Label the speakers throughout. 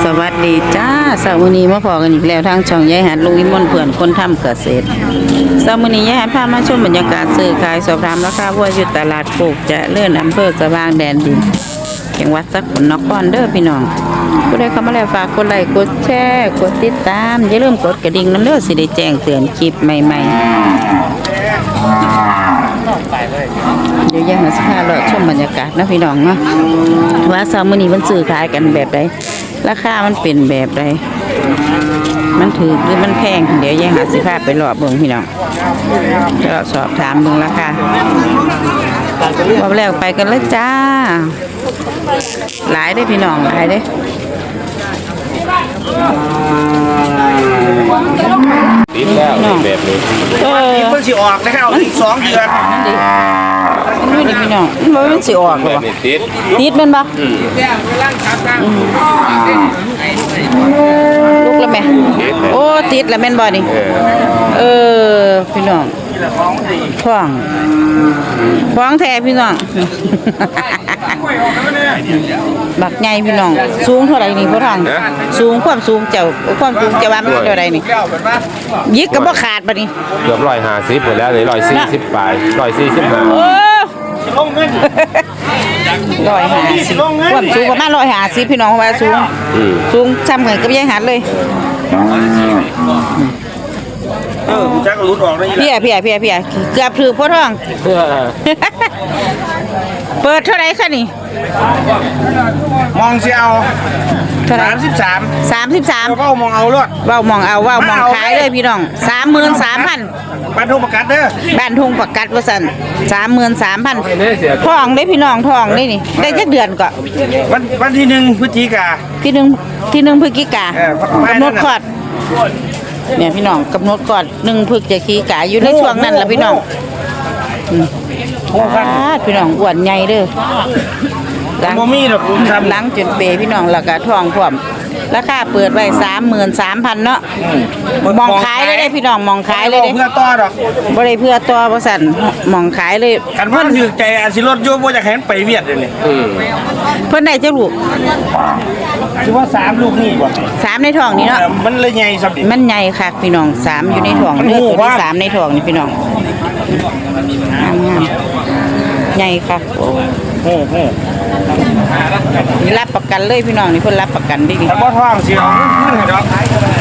Speaker 1: วัสดีจ้าเช้ามื้อนี้มาพอกันอีกแล้วทางช่องยายหัดลุงวิมลเพื่อนคนทำเกษตรเช้ามื้อนี้ยายหัดพามาชมบรรยากาศซื้อขายสอบถามราคาวัวอยู่ตลาดโคกจะเลื่อนอำเภอสว่างแดนดินจังหวัดสกลนครเด้อพี่น้องผู้ใดเข้ามาแล้วฝากกดไลค์กดแชร์กดติดตามอย่าลืมกดกระดิ่งนำเด้อสิได้แจ้งเตือนคลิปใหม่ๆเดี๋ยวยังสิพาเลาะชมบรรยากาศนะพี่น้องเนาะว่าเช้ามื้อนี้มันซื้อขายกันแบบใดราคามันเป็นแบบใดมันถูกหรือมันแพงเดี๋ยวยังหาสิพาไปรอบเบิ่งพี่น้องจะสอบถามเบิ่งราคาว่าแล้วไปกันเลยจ้าหลายได้พี่น้องหลายได้
Speaker 2: ติดแล้วแบบนี้
Speaker 3: เพิ่งสิออกนะครับอีก2 เดือน
Speaker 1: นี่ดิพี่น้องมันสิออกบ่ติดมันบ่ลูกละแม่โอ้ติดละแม่นบ่นี่พี่น้องฟ้องแท้พี่น้องบักใหญ่พี่น้องสูงเท่าไหร่นี่พ่อทองสูงความสูงเจ้าว่ามันเท่าไหร่นี่ยิกก็บ่ขาดบัดนี้
Speaker 2: เกือบ150หมดแล้วเลย140ปลาย145
Speaker 1: โอ้150ความสูงประมาณ150พี่น้องว่าสูงซ้ำกันกับยายหัดเลย
Speaker 3: จักรุดออกได้
Speaker 1: พี่เกือบถือพ่อทองเปิดเท่าไหร่คะนี่
Speaker 3: มองสิเอา
Speaker 1: 33
Speaker 3: เว้ามองเอารถ
Speaker 1: เว้ามองขายเลยพี่น้อง 33,000
Speaker 3: บ้านทุ่งประกัดเด้อ
Speaker 1: บ้านทุ่งประกัดว่าซั่น 33,000ทองได้พี่น้องทองได้นี่ได้จักเดือนก็
Speaker 3: วันที่1พฤศจิกายน
Speaker 1: ที่1พฤศจิกายนกำหนดคลอดเนี่ยพี่น้องกำหนดก่อน1พฤศจิกายนอยู่ในช่วงนั้นล่ะพี่น้องพี่น้องอ้วนใหญ่เด้อหลังจนเปพี่น้องแล้วก็ท้องพร้อมราคาเปิดไว้ 33,000 เนาะมองขายเลยได้พี่น้องมองขายเลยเด้
Speaker 3: เพื่อต่อดอก
Speaker 1: บ่ได้เพื่อต่อบ่สั่นมองขายเลย
Speaker 3: คันเพิ่นถือใจอาสิรถอยู่บ่อยากให้มันไปเวียดเด้นี่
Speaker 1: เพิ่นได้จักลูก
Speaker 3: สิว่า3ลูกนี่บ่
Speaker 1: 3ในท้องนี่เนาะ
Speaker 3: มันเลยใหญ่ซับดิ
Speaker 1: มันใหญ่คักพี่น้อง3อยู่ในท้องเด้อตัวที่3ในท้องนี่พี่น้องงามใหญ่คักนี่รับประกันเลยพี่น้องนี่เพิ่นรับประกันดิ
Speaker 3: แต่บ่ท้องสิเอาขึ้นให้ดอก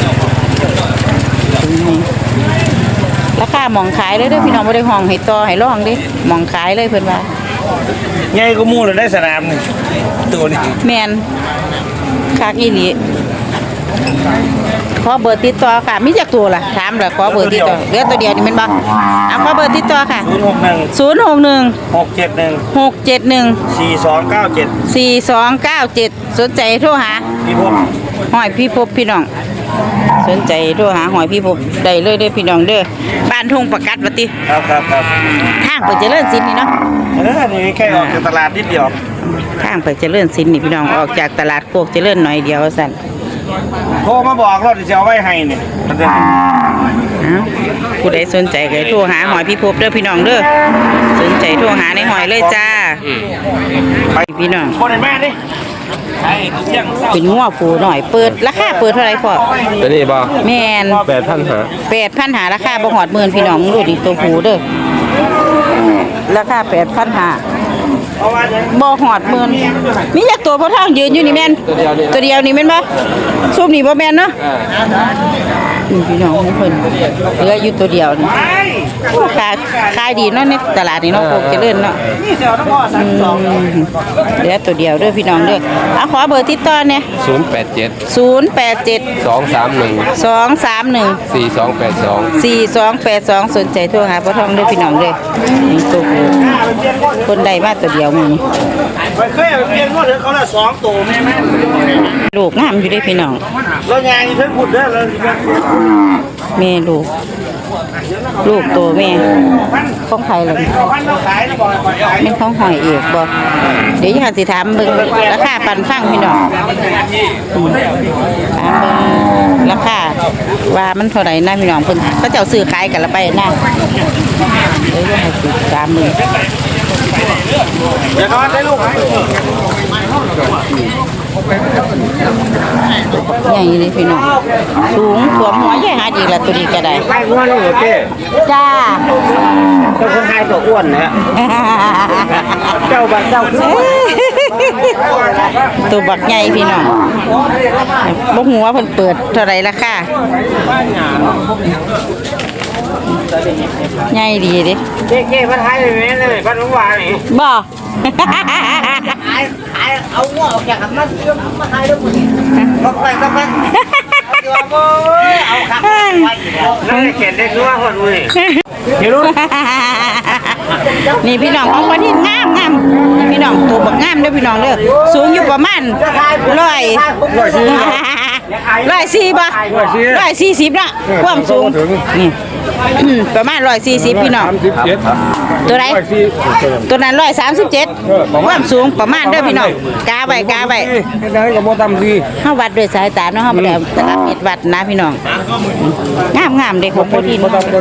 Speaker 1: ราคามองขายเลยเด้อพี่น้องบ่ได้ห้องให้ต่อให้ร้องเด้มองขายเลยเพิ่นว่า
Speaker 3: ใหญ่กว่าหมู่เลยได้สนามนี่ตัวนี้
Speaker 1: แม่นคักอีหลีขอเบอร์ติดต่อค่ะมีจักตัวล่ะถามแล้วขอเบอร์ติดต่อเหลือตัวเดียวนี่แม่นบ่เอาขอเบอร์ติดต่อค่ะ061 671 4297 สนใจโทรหาหอยพี่พบพี่น้องสนใจโทรหาหอยพี่พบได้เลยเด้อพี่น้องเด้อบ้านทุ่งประกัดว่าติ
Speaker 3: ครับ
Speaker 1: ทางไปเจริญศิลป์นี่เนาะ
Speaker 3: นี่แค่ออกจากตลาดนิดเดียว
Speaker 1: ทางไปเจริญศิลป์นี่พี่น้องออกจากตลาดโคกเจริญหน่อยเดียวสั่น
Speaker 3: โทรมาบอกรถจะเอาไว้ให้นี่
Speaker 1: ผู้ใดสนใจก็โทรหาหอยพี่พบเด้อพี่น้องเด้อสนใจโทรหาในหอยเลยจ้าไปพี่น้อง
Speaker 3: คนไหนแม่ดิ
Speaker 1: เป็นงัวผูหน่อยเปิดราคาเปิดเท่าไหร่พ่อ
Speaker 2: ตัวนี้บ่
Speaker 1: แม่น8,500ราคาบ่ฮอด10,000พี่น้องมึงดูดิตัวผูเด้อราคา8,500บ่ฮอด10,000มีจักตัวพ่อทางยืนอยู่นี่แม่นตัวเดียวนี่แม่นบ่ซุปนี่บ่แม่นเนาะพี่น้องของเพิ่นเหลืออยู่ตัวเดียวนี่ขายดีเนาะในตลาดนี่เนาะโคกเจริญเนาะเหลือตัวเดียวเด้อพี่น้องเด้อเอาขอเบอร์ติดต่อเนี่ย087 231 4282 สนใจโทรหาพ่อทองเด้อพี่น้องเด้อนี่ตัวคนใดมาตัวเดียวมึง
Speaker 3: เคยเรียนว่าเขาละ2ตัวแม่
Speaker 1: ลูกงามอยู่เด้อพี่น้อง
Speaker 3: แล้วยางนี่เพิ่นพูดเด้อแล้ว
Speaker 1: แม่ลูกโตแม่ของใครล่ะเป็นของหอยเอกบ่เดี๋ยวจะสิถามเบิ่งราคาปันฟังพี่น้องถามเบิ่งราคาว่ามันเท่าไหร่นะพี่น้องเพิ่นเขาเจ้าซื้อขายกันละไปนะเดี๋ยวจะให้ติดตามมือ
Speaker 3: เดี๋ยวเขาได้ลูก
Speaker 1: บักใหญ่เลยพี่น้องสูงสวมหัวใหญ่หาดีละตัวนี้ก็ได้
Speaker 3: ไปอ้วนเลยโอเค
Speaker 1: จ้า
Speaker 3: เจ้าคนไทยตัวอ้วนนะเจ้าบักเจ้า
Speaker 1: ตัวบักใหญ่พี่น้องบ่ฮู้ว่าเพิ่นเปิดเท่าไหร่ราคาใหญ่ดีเด้
Speaker 3: เจ๊มาไทยเลยแม่เลยบ้านหลวงวานี่
Speaker 1: บ่
Speaker 3: เอาหัวออกจากกันมาไทยด้วยมึงก็ไปก็ไปเอาขับไปนั่นเขียนได้ชัวร์คนมึงเห็นรู้
Speaker 1: นี่พี่น้องของประเทศงามนี่พี่น้องตัวบักงามเด้อพี่น้องเด้อสูงอยู่ประมาณ140บ่140ละความสูงนี่ประมาณ140พี่น้องตัวไหนตัวนั้น137ความสูงประมาณเด้อพี่น้องกาไว้
Speaker 3: ได้กับโมตัมซี
Speaker 1: เฮาวัดด้วยสายตาเนาะเฮาบ่ได้ตลับเม็ดวัดนะพี่น้องงามเด้ของโปรตีน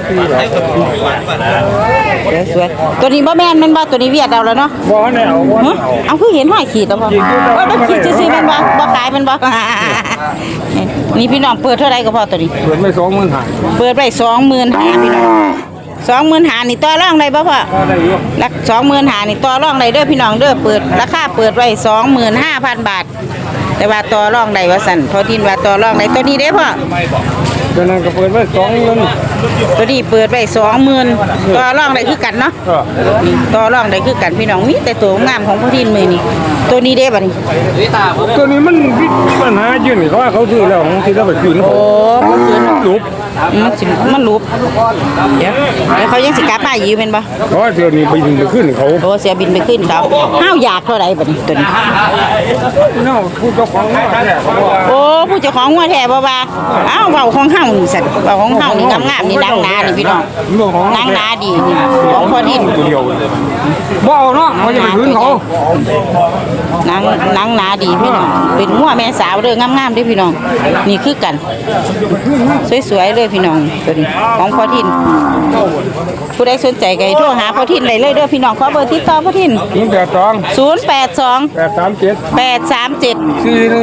Speaker 1: สวยตัวนี้บ่แม่นมันบ่ตัวนี้เวียดเอาแล้วเนาะ
Speaker 3: บ่แนว
Speaker 1: เอาคือเห็นห้อยขีดแล้วบ่ว่าบ่ขีดซื่อๆมันบ่ขายมันบ่นี่พี่น้องเปิดเท่าไหร่ก็พอตัวนี้
Speaker 3: เปิดไม่20,000
Speaker 1: เปิดไว้25,000พี่น้อง25,000นี่ต่อรองได้บ่พ่อ
Speaker 3: ก็ได้อยู่
Speaker 1: ลัก25,000นี่ต่อรองได้เด้อพี่น้องเด้อเปิดราคาเปิดไว้25,000 บาท แต่ว่าต่อรองได้ว่าสั่นพอทินว่าต่อรองได้ตัวนี้เด้อพ่อ
Speaker 3: ตัวนั้นก็เปิดไว้20,000
Speaker 1: ตัวนี้เปิดไว้20,000ต่อรองได้คือกันเนาะนี่ต่อรองได้คือกันพี่น้องมีแต่ตัวงามของพอทินมื้อนี้ตัวนี้เด้บัดนี้
Speaker 3: ตัวนี้มันมีปัญหาอยู่นี่เขาว่าเขาซื้อแล้วของที่เราไปคืน
Speaker 1: โอ้บ่คืน
Speaker 3: ลุบ
Speaker 1: มันรูปเดี๋ยวเขายังสิกลับมาอยู่แม่นบ่
Speaker 3: เพราะเดี๋ยวนี้ไปดึงไปขึ้นเขา
Speaker 1: โอ้เสียบินไปขึ้นเขาห้าวอยากเท่าไหร่บัดนี้ตัวนี้
Speaker 3: เนาะผู้เจ้าของว่าแท้เขาว่า
Speaker 1: โอ้ผู้เจ้าของงัวแท้บ่ว่าอ้าวเว้าของเฮานี่สั่นเว้าของเฮานี่งามๆนี่ดังหนานี่พี่น้องนางหนาดีนี่ของพอดิน
Speaker 3: ตัวเดียวบ่เอาเนาะเขาจะไปคืนเขา
Speaker 1: นางหนาดีพี่น้องเป็นงัวแม่สาวเด้องามๆเด้อพี่น้องนี่คือกันสวยๆเลยพี่น้องตัวนี้ของพอดินผู้ใดสนใจก็ให้โทรหาพอดินได้เลยเด้อพี่น้องขอเบอร์ติดต่อพอดิน082 837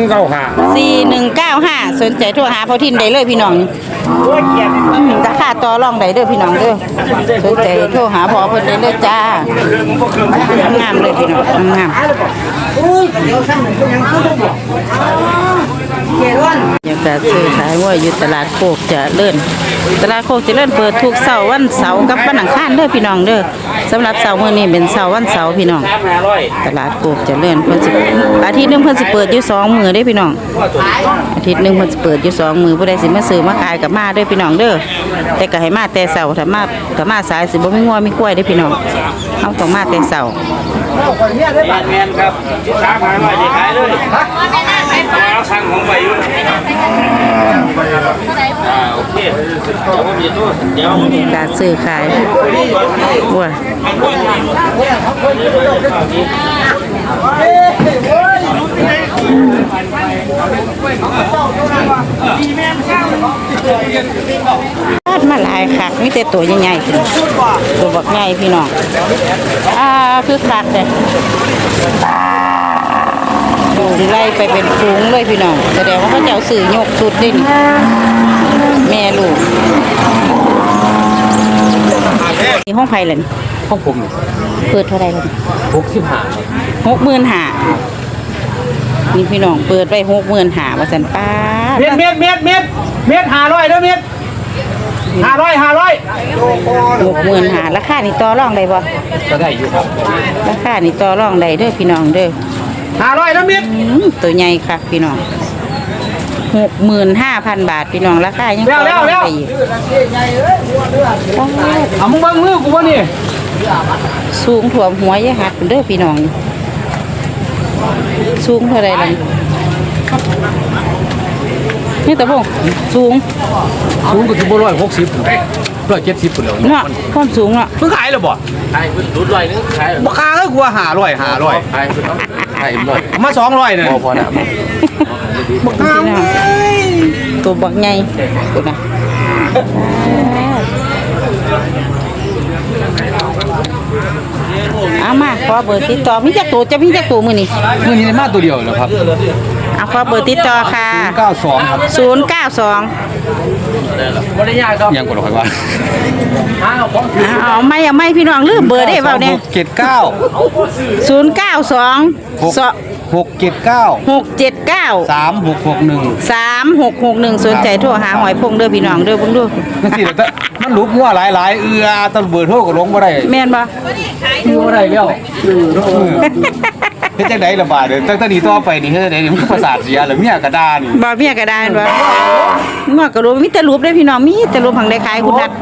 Speaker 1: 4195สนใจโทรหาพอทินได้เลยพี่น้องราคาต่อรองได้เด้อพี่น้องเด้อสนใจโทรหาพอเพิ่นได้เลยจ้างามเลยพี่น้องงามอยากจะซื้อขายว่าอยู่ตลาดโคกเจริญตลาดโคกเจริญเปิดทุกเสาร์วันเสาร์กับวันอังคารเด้อพี่น้องเด้อสำหรับเสาร์มื้อนี้เป็นเสาร์วันเสาร์พี่น้องตลาดโคกเจริญเพิ่นสิอาทิตย์นึงเพิ่นสิเปิดอยู่2มื้อเด้อพี่น้องอาทิตย์นึงเพิ่นสิเปิดอยู่2มื้อผู้ใดสิมาซื้อมาขายก็มาเด้อพี่น้องเด้อแต่ก็ให้มาแต่เสาร์ถ้ามาก็มาสายสิบ่มีงัวมีกล้วยเด้อพี่น้องเฮาต้องมาแต่เสาร์
Speaker 3: แมนครับช้าขายไว้จะขายเลยเอาสั่งของไปอยู่โอเคเดี๋ยว
Speaker 1: การซื้อขายว้ามาหลายคักมีแต่ตัวใหญ่ๆตัวบักใหญ่พี่น้องคือคักเลยดูไล่ไปเป็นฝูงเลยพี่น้องแสดงว่าเขาเจ้าสื่อยกสุดดินแม่ลูกนี่ห้องไผ่เลย
Speaker 2: ของผม
Speaker 1: เปิดเท่าไรเลย
Speaker 2: 65
Speaker 1: 65,000นี่พี่น้องเปิดไว้65,000ว่าสันป้า
Speaker 3: เม็ด500เด้อเม็ด
Speaker 1: 65,000ราคานี่ต่อรองได้บ่
Speaker 2: ก็ได้อยู่ครับ
Speaker 1: ราคานี่ต่อรองได้เด้อพี่น้องเด้อ
Speaker 3: 500เด้อเม็ด
Speaker 1: ตัวใหญ่ค่ะพี่น้อง65,000 บาทพี่น้องราคายังต่อรองได้อีก
Speaker 3: เอามึงบังมือกูบ่นี่
Speaker 1: สูงถ่วมหัวยายหัดเด้อพี่น้องสูงเท่าไรล่ะนี่ตะบงสูง
Speaker 2: ก็สิบ่170 170พุ่นแล้ว
Speaker 1: เนาะความสูงเนาะ
Speaker 3: เพิ่งขายแล้วบ่
Speaker 2: ขายรุ่น100นึงขาย
Speaker 3: บ่ค้าก็กลัว500
Speaker 2: ขายเพิ่นเอาขายหน่อย
Speaker 3: มา200เนี่ย
Speaker 2: พอน่ะ
Speaker 3: บ่ค้า
Speaker 1: ตัวบักใหญ่ตัวน่ะเอามาขอเบอร์ติดต่อมีจักตัวจะมีจักตัวมื้อนี้
Speaker 2: มื้อนี้ได้มาตัวเดียวแล้วครับ
Speaker 1: เอาขอเบอร์ติดต่อค่ะ
Speaker 2: 92ครับ
Speaker 1: 092
Speaker 3: บริยาครับ
Speaker 2: ยังกดหรอกว่า
Speaker 1: เอาไม่พี่น้องลืมเบอร์ได้เปล่าเนี่ย
Speaker 2: 679
Speaker 1: 092
Speaker 2: 679
Speaker 1: 679 3661สนใจโทรหาหอยพงเด้อพี่น้องเด้อเบิ่งดู
Speaker 2: นั่นสิแต่มันลุกงัวหลายตำเบอร์โทรก็ลงบ่ได้
Speaker 1: แม่นบ่
Speaker 2: บ่ได้แล้วเฮ็ดจังได๋ล่ะบาดตั้งแต่นี้ต่อไปนี่เฮ็ดจังได๋นี่มันก็ประสาทเสียแล้วเมียก็ด่านี่
Speaker 1: บ่เมียก็ได้แม่นบ่งอกก็รู้มีแต่รูปเด้อพี่น้องมีแต่รูปผังได้ขายคุณนัด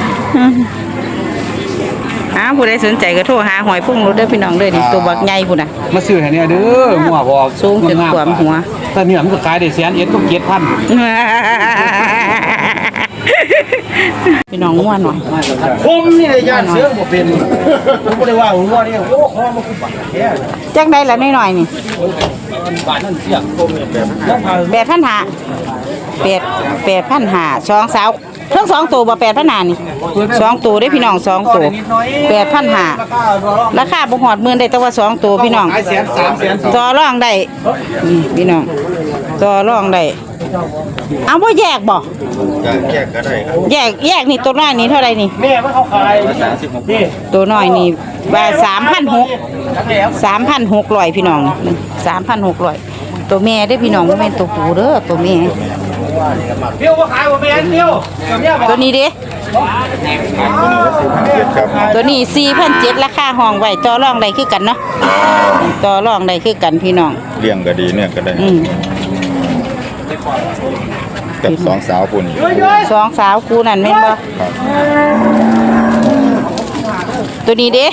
Speaker 1: ผู้ใดสนใจก็โทรหาหอยพงรถเด้อพี่น้องเด้อนี่ตัวบักใหญ่พุ่นน่ะ
Speaker 2: มาซื้อให้เนี่ยเด้องัวบ่
Speaker 1: สูงจนท่วมหัว
Speaker 2: แต่เนี่ยมันก็ขายได้100,000ก็7,000
Speaker 1: พี่น้องง่วนหน่อย
Speaker 2: ผมนี่ได้ย่านเสือบ่เป็นผมบ่ได้ว่างัวนี่โอ้คอมันคือบักแท้
Speaker 1: จักได้ละน้อยๆนี่
Speaker 2: บาทนั่นเสีย
Speaker 1: 8,500 2สาวเทั้ง2ตัวบ่8,500นี่2ตัวเด้อพี่น้อง2ตัว8,500ราคาบ่ฮอดหมื่นได้แต่ว่า2ตัวพี่น้อง
Speaker 2: ขายแสน3แสน
Speaker 1: ต่อรองได้นี่พี่น้องต่อรองได้เอาบ่แยกบ่
Speaker 3: แยกก็ได้ครับ
Speaker 1: แยกนี่ตัวน้อยนี่เท่าไหร่นี่
Speaker 2: แม่มันเขาขายนี่
Speaker 1: ตัวน้อยนี่ว่า3,600พี่น้องนี่3,600ตัวแม่เด้อพี่น้องบ่แม่นตัวผู้เด้อตัวแม่
Speaker 2: เดี๋ยวบ่ขายบ่แม่นเดี๋ยวเมียบอก
Speaker 1: ตัวนี้เด้ตัวนี้4,700ราคาห้องไว้ต่อรองได้คือกันเนาะต่อรองได้คือกันพี่น้อง
Speaker 3: เลี้ยงก็ดีเนี่ยก็ได้ กับสองสาวปุ่น
Speaker 1: สองสาวกูนั่นแม่นบ่ตัวนี้เด้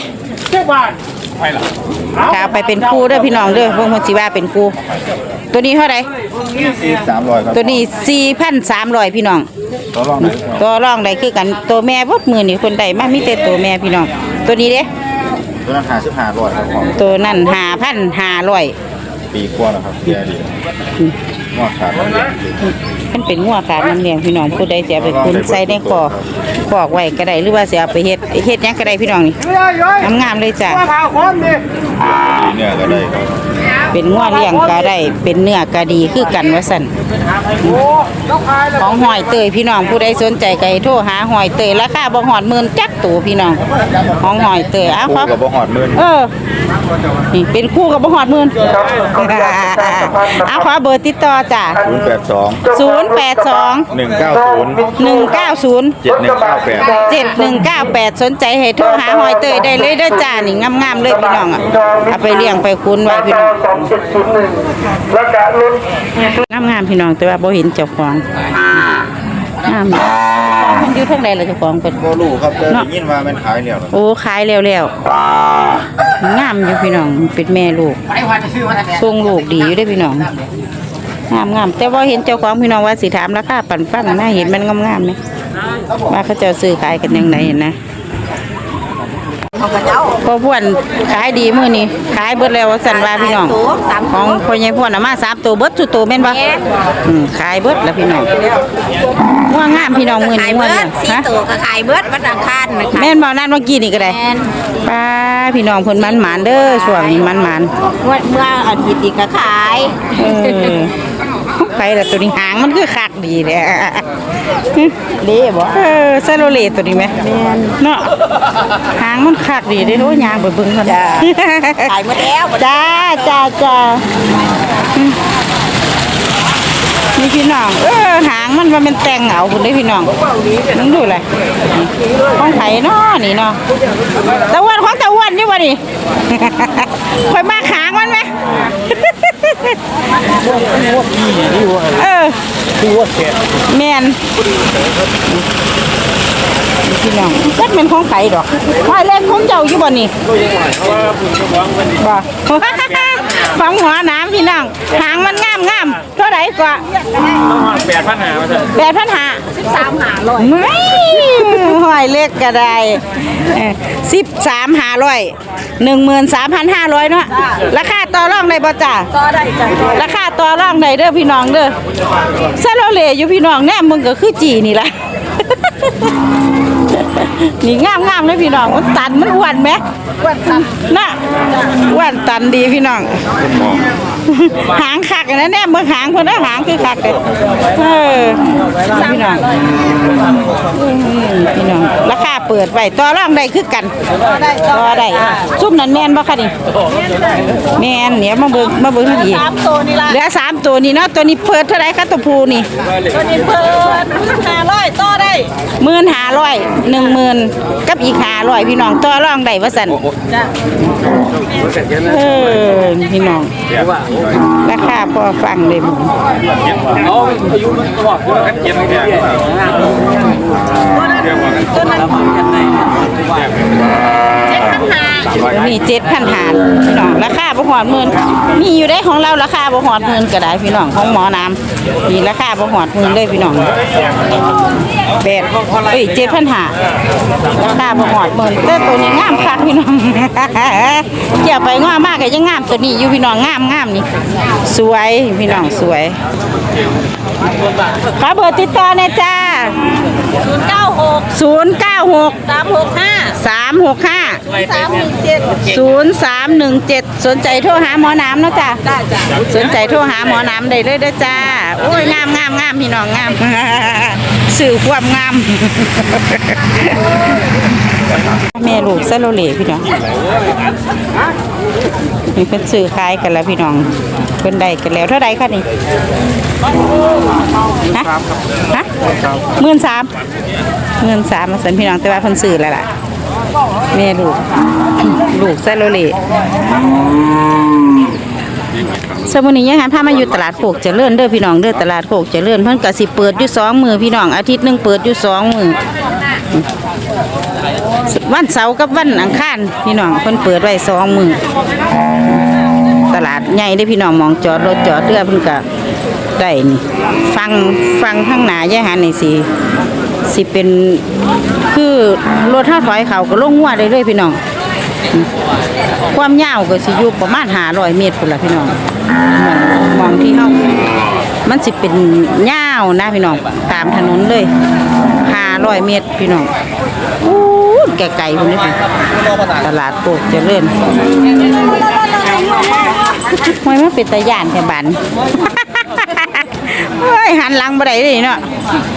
Speaker 1: ค่ะไปเป็นครูเด้อพี่น้องเด้อพวกมันสิว่าเป็นครูตัวนี้เท่าไหร่
Speaker 3: 300ครับ
Speaker 1: ตัวนี้ 4,300 พี่น้อง
Speaker 3: ต่อรองไหน
Speaker 1: ตัวรองได้คือกันตัวแม่บดมือนี่คนใดมามีแต่ตัวแม่พี่น้องตัวนี้เด้
Speaker 3: ตัวนั้น55,000ครับของ
Speaker 1: ตัวนั้น5,500
Speaker 3: ปีกว่าแล้วครับแย่ดีงอกขาดแล้ว
Speaker 1: มันเป็นงัวขาดน้ำเลี้ยงพี่น้องผู้ใดจะเอาไปคุณใส่ในคอกไว้ก็ได้หรือว่าสิเอาไปเฮ็ดหยังก็ได้พี่น้องนี่งามๆเลยจ้ะ
Speaker 3: ดีเนี่ยก็ได้ครับ
Speaker 1: เป็นงัวเลี้ยงก็ได้เป็นเนื้อก็ดีคือกันว่าซั่นของหอยเตยพี่น้องผู้ใดสนใจก็ให้โทรหาหอยเตยราคาบ่ฮอดหมื่นจักตัวพี่น้องของหอยเตยอ้าวค
Speaker 3: คู่
Speaker 1: รับ
Speaker 3: กับบ่ฮอดหมื่น
Speaker 1: นี่เป็นคู่กับบ่ฮอดหมื่นเอาขอเบอร์ติดต่อจ้ะ
Speaker 3: 082
Speaker 1: 082
Speaker 3: 190
Speaker 1: 190 7198สนใจให้โทรหาหอยเตยได้เลยเด้อจ้านี่งามๆเลยพี่น้องอ่ะเอาไปเลี้ยงไปคุ้นไว้พี่น้องงามๆพี่น้องแต่ว่าบ่เห็นเจ้าของงามมันอยู่ทางใดล่ะเจ้าของเพิ่น
Speaker 3: บ่รู้ครับแต่ได้ยินว่ามันขายแล้ว
Speaker 1: โอ้ขายแล้วงามอยู่พี่น้องเป็นแม่ลูกทรงลูกดีอยู่เด้อพี่น้องงามแต่ว่าเห็นเจ้าของพี่น้องว่าสิถามราคาปั่นฟังน่าเห็นมันงามๆนะว่าเขาจะซื้อขายกันยังไงนะพอพวนขายดีมื้อนี้ขายเบิดแล้วว่าซั่นว่าพี่น้องของพ่อใหญ่พวนน่ะมา3ตัวเบิดสุดตัวแม่นบ่ขายเบิดแล้วพี่น้องว่างามพี่น้องมื้อนี้ว่าเนี่ยฮะ
Speaker 4: ตัวก็ขายเบิดวันอังคารนะคะ
Speaker 1: แม่นบ่นั่นเมื่อกี้นี่ก็ได้ป้าพี่น้องเพิ่นมันหมานเด้อช่วงนี้มันหมาน
Speaker 4: เมื่ออาทิตย์อีกก็ขาย
Speaker 1: ไปแล้วตัวนี้หางมันคือคักดีแหละเด้บ่ซาโลเลตัวนี้ไหมเนาะหางมันคักดีเด้โอ้ยางไปเบิ่งกันจ้า
Speaker 4: ขายหมดแล้ว
Speaker 1: จ้านี่พี่น้องหางมันว่ามันแต่งเอาพุ่นเด้พี่น้องมึงดูเลยของไผเนาะนี่เนาะตะวันของตะวันนี่บ่นี่ ค่อยมาหางมันไหม แม่นพี่น้องจักเป็นของไผดอกหอยเล็กของเจ้าอยู่บ่นี่บ่ ของหัวน้ำพี่น้องหางมันงามเท่าไหร่กว่า 8,500 ไม่หอยเล็กก็ได้13,500 เนาะราคาต่อรองได้บ่จ้า
Speaker 4: ก็ได้จ้ะ
Speaker 1: ราคาต่อรองได้เด้อพี่น้องเด้อซาโลเลอยู่พี่น้องแน่มึงก็คือจีนี่ล่ะ นี่งามเลยพี่น้องมันตันมันอ้วนไหมอ้วนตันน่ะอ้วนตันดีพี่น้องหางคักนะเนี่ยเมื่อหางเพิ่นหางคือคักเลยพี่น้องพี่น้องราคาเปิดไว้ต่อรองได้คือกันต่อได้ซุ่มนั้นแม่นบ่คะนี่แม่นเนี่ยมาเบิ่งอีก3ตัวนี่ล่ะเหลือ3ตัวนี่เนาะตัวนี้เปิดเท่าไหร่คะตัวผู้นี่ตัวนี้เปิด500ต่อได้1500 10,000กับอีก500พี่น้องต่อรองได้ว่าซั่นจ้ะพี่น้องราคาพอฟังเลยหมู
Speaker 3: เอาอายุมันบอกว่ากันเก็บให้ได้ตัวนั้น
Speaker 1: มี7,500พี่น้องราคาบ่ฮอดหมื่นมีอยู่ได้ของเราราคาบ่ฮอดหมื่นก็ได้พี่น้องของหมอน้ำมีราคาบ่ฮอดหมื่นเลยพี่น้อง7,500ราคาบ่ฮอดหมื่นแต่ตัวนี้งามคักพี่น้องเกี่ยวไปงามมากก็ยังงามตัวนี้อยู่พี่น้องงามนี่สวยพี่น้องสวยขอเบอร์ติดต่อหน่อยจ้า096 365 0317สนใจโทรหาหมอน้ำเนาะจ้าสนใจโทรหาหมอน้ำได้เลยเด้อจ้าโอ้ยงามพี่น้องงามสื่อความงามแม่ลูกซาโลเล่พี่น้องมีเพิ่นซื้อขายกันแล้วพี่น้องเพิ่นได้กันแล้วเท่าใดคะนี่ฮะ13,000มาสั่นพี่น้องแต่ว่าเพิ่นซื้อแล้วล่ะแม่ลูกซาโลเล่สมุนี้ยังหันพามาอยู่ตลาดโคกเจริญเด้อพี่น้องเด้อตลาดโคกเจริญเพิ่นก็สิเปิดอยู่2มื้อพี่น้องอาทิตย์นึงเปิดอยู่2มื้อวันเสาร์กับวันอังคารพี่น้องเพิ่นเปิดไว้2มื้อตลาดใหญ่เด้อพี่น้องมองจอดรถจอดเรือเพิ่นก็ได้นี่ฟังข้างหน้ายายหันนี่สิเป็นคือรถเฮาถอยเขาก็ลงหัวได้เลยพี่น้องความยาวก็สิอยู่ประมาณ500 เมตรพุ่นล่ะพี่น้องมองที่เฮามันสิเป็นยาวนะพี่น้องตามถนนเลย500 เมตรพี่น้องอู้ไกลๆพุ่นนี่ตลาดโคกเจริญห้วยมันเป็นตาย่านแค่บ้านเฮ้ยหันหลังบ่ได้เลยเนาะ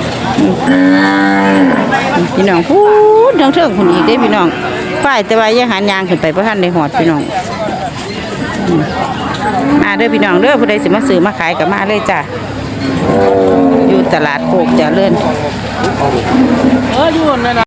Speaker 1: พี่น้องพูดเทิงๆพุ่นอีกเด้พี่น้องฝ่ายแต่ว่ายังหันยางขึ้นไปบ่ทันได้ฮอดพี่น้องมาเด้อพี่น้องเด้อผู้ใดสิมาซื้อมาขายก็มาเลยจ้ะอยู่ตลาดโคกเจริญ